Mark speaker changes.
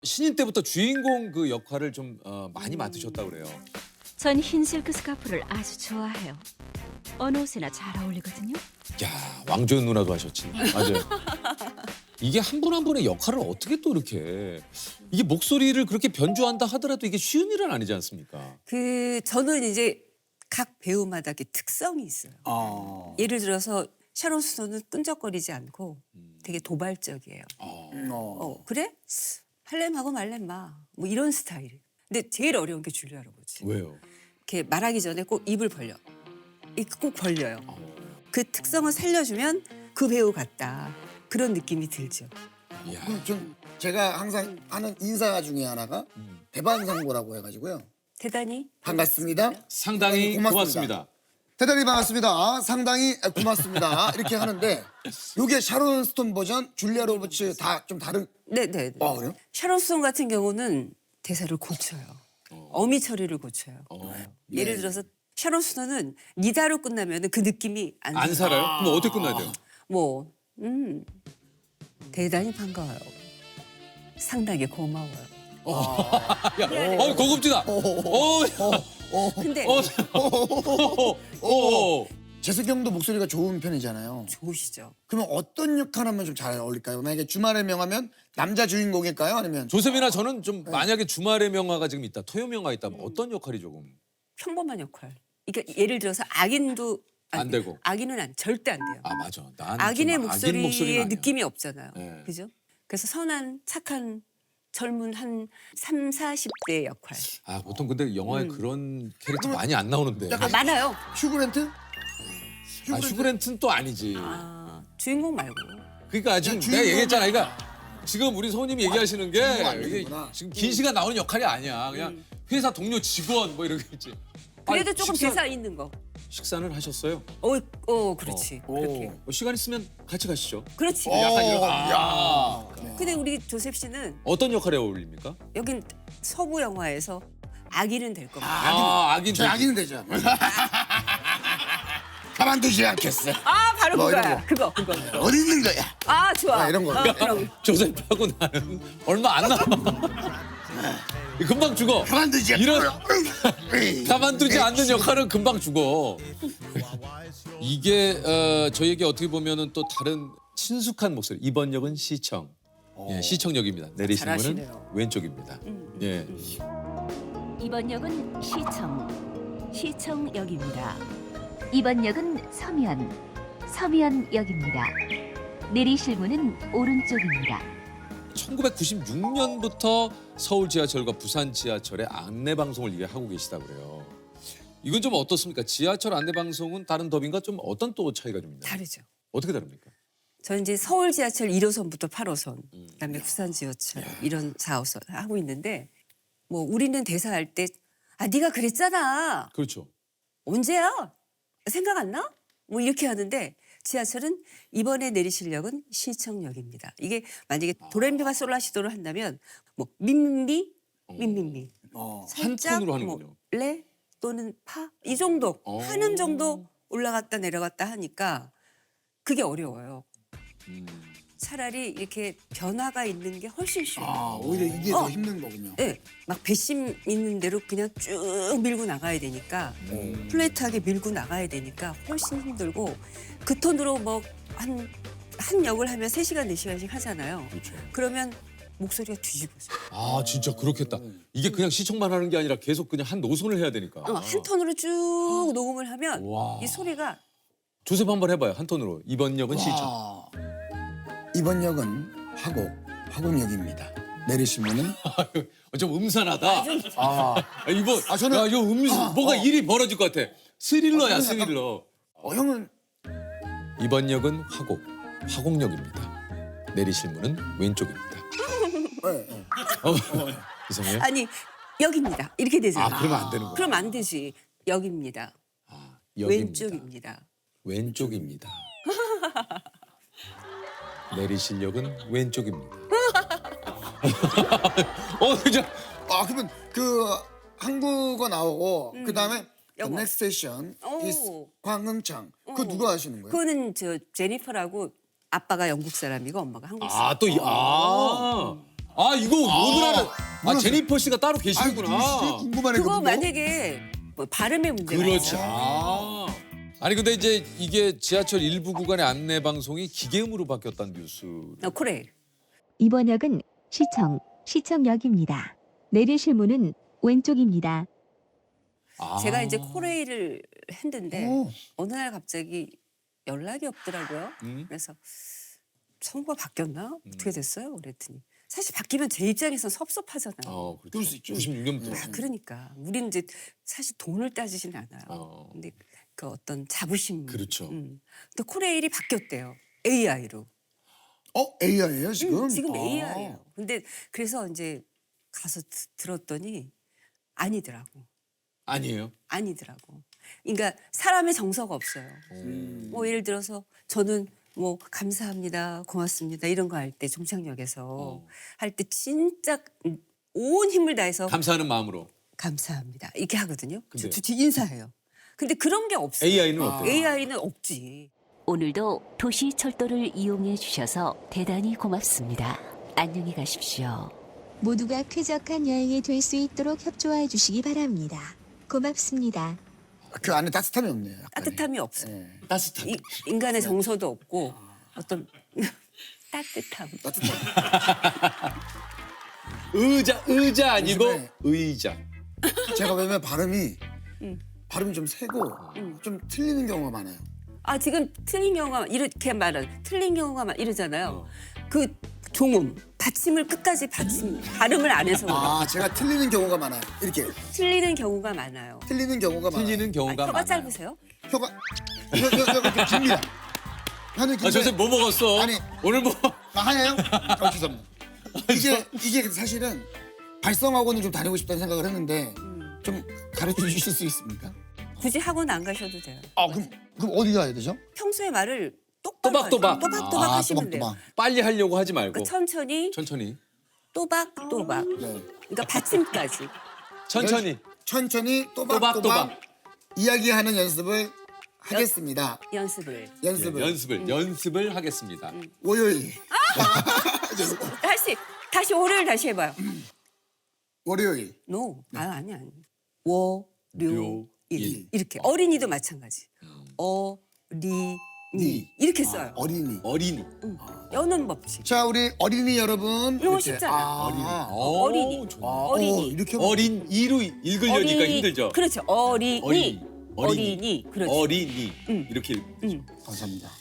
Speaker 1: 신인 때부터 주인공 그 역할을 좀 많이 맡으셨다고 그래요.
Speaker 2: 전 흰 실크 스카프를 아주 좋아해요. 어느 옷에나 잘 어울리거든요.
Speaker 1: 야, 왕조연 누나도 하셨지. 맞아요. 이게 한 분 한 분의 역할을 어떻게 또 이렇게 이게 목소리를 그렇게 변주한다 하더라도 이게 쉬운 일은 아니지 않습니까?
Speaker 3: 저는 이제 각 배우마다 이렇게 특성이 있어요. 예를 들어서 샤론 스톤은 끈적거리지 않고 되게 도발적이에요. 그래? 할렘하고 말렘 마. 뭐 이런 스타일. 근데 제일 어려운 게 줄리아 로버츠.
Speaker 1: 왜요?
Speaker 3: 이렇게 말하기 전에 꼭 입을 벌려. 이렇게 꼭 벌려요. 그 특성을 살려주면 그 배우 같다. 그런 느낌이 들죠.
Speaker 1: 이야.
Speaker 4: 좀 제가 항상 하는 인사 중에 하나가 대반상고라고 해가지고요.
Speaker 3: 대단히
Speaker 4: 반갑습니다.
Speaker 1: 상당히 고맙습니다.
Speaker 4: 대단히 반갑습니다. 상당히 고맙습니다. 이렇게 하는데 이게 샤론 스톤 버전, 줄리아 로버츠 다 좀 다른.
Speaker 3: 네네.
Speaker 4: 그래요?
Speaker 3: 샤론 스톤 같은 경우는 대사를 고쳐요. 어미 처리를 고쳐요. 예를 들어서 샤론 스톤은 니다로 끝나면 그 느낌이
Speaker 1: 안 살아요? 그럼 어떻게 끝나야 돼요?
Speaker 3: 뭐 대단히 반가워요. 상당히 고마워요.
Speaker 1: 야, 고급지다.
Speaker 3: 근데
Speaker 4: 재석이 형도 목소리가 좋은 편이잖아요.
Speaker 3: 좋으시죠?
Speaker 4: 그러면 어떤 역할 하면 좀 잘 어울릴까요? 만약에 주말의 명하면 남자 주인공일까요? 아니면
Speaker 1: 조셉이나 저는 좀 만약에 주말의 명화가 지금 있다, 토요 명화 있다면 어떤 역할이 조금
Speaker 3: 평범한 역할. 그러니까 예를 들어서 악인도
Speaker 1: 안 되고.
Speaker 3: 악인은 절대 안 돼요.
Speaker 1: 아 맞아. 난
Speaker 3: 악인의
Speaker 1: 좀
Speaker 3: 목소리의
Speaker 1: 목소리는 아니야.
Speaker 3: 느낌이 없잖아요.
Speaker 1: 네.
Speaker 3: 그죠? 그래서 선한 착한 젊은 한 3, 40대 역할.
Speaker 1: 아 보통 근데 영화에 그런 캐릭터 많이 안 나오는데.
Speaker 3: 많아요.
Speaker 4: 휴그랜트?
Speaker 1: 아 슈그랜트는 또 아니지.
Speaker 3: 주인공 말고.
Speaker 1: 그러니까 지금 내가 얘기했잖아. 그러니까 지금 우리 소님이 얘기하시는 게
Speaker 4: 안
Speaker 1: 이게
Speaker 4: 되는구나.
Speaker 1: 지금 긴 시간 나오는 역할이 아니야. 그냥 회사 동료 직원 뭐 이런 거 있지.
Speaker 3: 그래도
Speaker 1: 아니,
Speaker 3: 조금 대사 있는 거.
Speaker 1: 식사는 하셨어요?
Speaker 3: 그렇지. 그렇게.
Speaker 1: 시간 있으면 같이 가시죠.
Speaker 3: 그렇지.
Speaker 1: 약간 이런.
Speaker 4: 야.
Speaker 3: 근데 우리 조셉 씨는
Speaker 1: 어떤 역할에 어울립니까?
Speaker 3: 여긴 서부 영화에서 악인은 될 겁니다.
Speaker 1: 악인.
Speaker 4: 저 악인은 되죠. 가만두지 않겠어.
Speaker 3: 바로
Speaker 4: 뭐 이런
Speaker 3: 그거야.
Speaker 4: 거.
Speaker 3: 그거.
Speaker 4: 어디 있는 거야?
Speaker 3: 좋아.
Speaker 4: 이런 거.
Speaker 3: 그럼.
Speaker 1: 조셉하고 나는 얼마 안 남아. 금방 죽어.
Speaker 4: 가만두지 않
Speaker 1: 이런 가만두지 않는 역할은 금방 죽어. 이게 저에게 어떻게 보면은 또 다른 친숙한 목소리. 이번 역은 시청. 예, 시청 역입니다. 내리시는 분은
Speaker 3: 잘하시네요.
Speaker 1: 왼쪽입니다. 예.
Speaker 2: 이번 역은 시청역입니다. 이번 역은 서면역입니다. 내리실 문은 오른쪽입니다.
Speaker 1: 1996년부터 서울 지하철과 부산 지하철의 안내 방송을 이게 하고 계시다고 그래요. 이건 좀 어떻습니까? 지하철 안내 방송은 다른 더빙과 좀 어떤 또 차이가 좀 있나요?
Speaker 3: 다르죠.
Speaker 1: 어떻게 다릅니까?
Speaker 3: 저는 이제 서울 지하철 1호선부터 8호선, 그다음에 부산 지하철 이런 4호선 하고 있는데 뭐 우리는 대사할 때 네가 그랬잖아.
Speaker 1: 그렇죠.
Speaker 3: 언제야? 생각 안 나? 뭐 이렇게 하는데 지하철은 이번에 내리실 역은 시청역입니다. 이게 만약에 도레미파 솔라시도를 한다면 뭐 민민미
Speaker 1: 한 톤으로 하는군요.
Speaker 3: 뭐 레 또는 파 이 정도 하는 정도 올라갔다 내려갔다 하니까 그게 어려워요. 차라리 이렇게 변화가 있는 게 훨씬 쉬워요.
Speaker 4: 오히려 이게 더 힘든 거군요.
Speaker 3: 네, 막 배심 있는 대로 그냥 쭉 밀고 나가야 되니까 플랫하게 밀고 나가야 되니까 훨씬 힘들고 그 톤으로 뭐 한 역을 하면 3시간, 4시간씩 하잖아요.
Speaker 1: 그렇죠.
Speaker 3: 그러면 목소리가 뒤집어져요.
Speaker 1: 아 진짜 그렇겠다. 이게 그냥 시청만 하는 게 아니라 계속 그냥 한 노선을 해야 되니까.
Speaker 3: 한 톤으로 쭉 녹음을 하면
Speaker 1: 와.
Speaker 3: 이 소리가
Speaker 1: 조셉 한번 해봐요. 한 톤으로. 이번 역은 시청.
Speaker 4: 이번 역은 화곡역입니다. 내리시면은
Speaker 1: 좀 음산하다. 이번
Speaker 4: 저는-
Speaker 1: 야, 이거 뭐가 일이 벌어질 것 같아. 스릴러야 스릴러.
Speaker 4: 형은
Speaker 1: 이번 역은 화곡역입니다. 내리실 문은 왼쪽입니다. 이상해요?
Speaker 3: 아니 역입니다. 이렇게 되잖아요.
Speaker 1: 그러면 안 되는 거야.
Speaker 3: 그럼 안 되지. 역입니다.
Speaker 1: 역입니다.
Speaker 3: 왼쪽입니다.
Speaker 1: 왼쪽입니다. 내리실 역은 왼쪽입니다. 진짜.
Speaker 4: 그러면 그 한국어 나오고 그 다음에
Speaker 3: 영어.
Speaker 4: 넥스트 세션
Speaker 3: 오.
Speaker 4: 황흥창 그거 누가 하시는 거예요?
Speaker 3: 그거는 저 제니퍼라고 아빠가 영국 사람이고 엄마가 한국 사람.
Speaker 1: 아 이거 오늘 하는
Speaker 4: 몰랐어요.
Speaker 1: 제니퍼 씨가 따로
Speaker 4: 아,
Speaker 1: 계시는구나.
Speaker 4: 궁금하네.
Speaker 3: 그거
Speaker 4: 그분도.
Speaker 3: 만약에 뭐 발음의 문제가
Speaker 1: 그렇죠.
Speaker 3: 있어요.
Speaker 1: 아니 근데 이제 이게 지하철 일부 구간의 안내 방송이 기계음으로 바뀌었다는 뉴스.
Speaker 3: 코레일.
Speaker 2: 이번 역은 시청역입니다. 내리실 문은 왼쪽입니다.
Speaker 3: 제가 이제 코레일을 했는데
Speaker 4: 오.
Speaker 3: 어느 날 갑자기 연락이 없더라고요.
Speaker 1: 음.
Speaker 3: 그래서 선거가 바뀌었나? 어떻게 됐어요? 그랬더니 사실 바뀌면 제 입장에선 섭섭하잖아요.
Speaker 1: 그렇죠.
Speaker 4: 그럴 수 있죠.
Speaker 1: 96년부터.
Speaker 3: 아, 그러니까 우리는 이제 사실 돈을 따지진 않아요. 근데 그 어떤 자부심.
Speaker 1: 그렇죠.
Speaker 3: 근데 코레일이 바뀌었대요. AI로.
Speaker 4: AI예요 지금?
Speaker 3: 지금 AI예요. 근데 그래서 이제 가서 들었더니 아니더라고.
Speaker 1: 아니에요.
Speaker 3: 아니더라고. 그러니까 사람의 정서가 없어요. 뭐 예를 들어서 저는 뭐 감사합니다, 고맙습니다 이런 거 할 때 종착역에서 할 때 진짜 온 힘을 다해서
Speaker 1: 감사하는 마음으로.
Speaker 3: 감사합니다 이렇게 하거든요.
Speaker 1: 근데요?
Speaker 3: 저 인사해요. 근데 그런 게 없어요.
Speaker 1: AI는 어때요?
Speaker 3: AI는 없지.
Speaker 2: 오늘도 도시철도를 이용해 주셔서 대단히 고맙습니다. 안녕히 가십시오. 모두가 쾌적한 여행이 될 수 있도록 협조해 주시기 바랍니다. 고맙습니다.
Speaker 4: 그 안에 따뜻함이 없네요. 약간의.
Speaker 3: 따뜻함이 없어요.
Speaker 4: 네.
Speaker 1: 따뜻한.
Speaker 3: 인간의 정서도 없고 어떤 따뜻함.
Speaker 1: 의자 아니고
Speaker 4: 요즘에-
Speaker 1: 의자.
Speaker 4: 제가 왜냐면 발음이 좀 세고 좀 틀리는 경우가 많아요.
Speaker 3: 아 지금 틀린 경우가 이렇게 말은 틀린 경우가 이러잖아요. 그 종음 받침을 끝까지 발음을 안 해서 그래요.
Speaker 4: 아 제가 틀리는 경우가 많아요. 이렇게
Speaker 3: 틀리는 경우가 많아요.
Speaker 4: 틀리는 경우가 많아요.
Speaker 1: 틀리는 경우가
Speaker 3: 혀가
Speaker 1: 많아요.
Speaker 3: 짧으세요?
Speaker 4: 혀가 이거 깁니다. 혀는 긴데
Speaker 1: 선생님 뭐 먹었어?
Speaker 4: 아니.
Speaker 1: 오늘 뭐?
Speaker 4: 하얘요? 죄송합니다. 이게 사실은 발성학원을 좀 다니고 싶다는 생각을 했는데 좀 가르쳐 주실 수 있습니까?
Speaker 3: 굳이 학원 안 가셔도 돼요.
Speaker 4: 아 그럼 어디 가야 되죠?
Speaker 3: 평소에 말을 똑바로
Speaker 1: 또박또박.
Speaker 3: 하세요. 또박또박
Speaker 4: 아,
Speaker 3: 하시면 돼요.
Speaker 4: 또박또박.
Speaker 1: 빨리 하려고 하지 말고
Speaker 3: 그러니까 천천히
Speaker 1: 천천히.
Speaker 3: 또박또박.
Speaker 4: 네.
Speaker 3: 그러니까 받침까지.
Speaker 1: 천천히.
Speaker 4: 천천히
Speaker 1: 또박또박.
Speaker 4: 또박또박 이야기하는 연습을 하겠습니다.
Speaker 3: 연습을.
Speaker 4: 연습을
Speaker 1: 하겠습니다.
Speaker 4: 월요일
Speaker 3: 다시 월요일 다시 해봐요.
Speaker 4: 월요일
Speaker 3: No. 아니.
Speaker 1: 료일.
Speaker 3: 월요일. 이렇게. 어린이도 마찬가지. 어린이. 이렇게 써요.
Speaker 4: 어린이.
Speaker 1: 어린이.
Speaker 3: 여는 법칙.
Speaker 4: 자 우리 어린이 여러분
Speaker 3: 이런 거
Speaker 4: 이렇게.
Speaker 3: 쉽잖아요.
Speaker 1: 오,
Speaker 3: 어린이.
Speaker 1: 좋네.
Speaker 3: 어린이.
Speaker 4: 이렇게
Speaker 1: 어린이로 읽으려니까 힘들죠.
Speaker 3: 그렇죠. 어린이.
Speaker 1: 어린이.
Speaker 3: 어린이. 그렇죠.
Speaker 1: 어린이. 이렇게
Speaker 4: 감사합니다.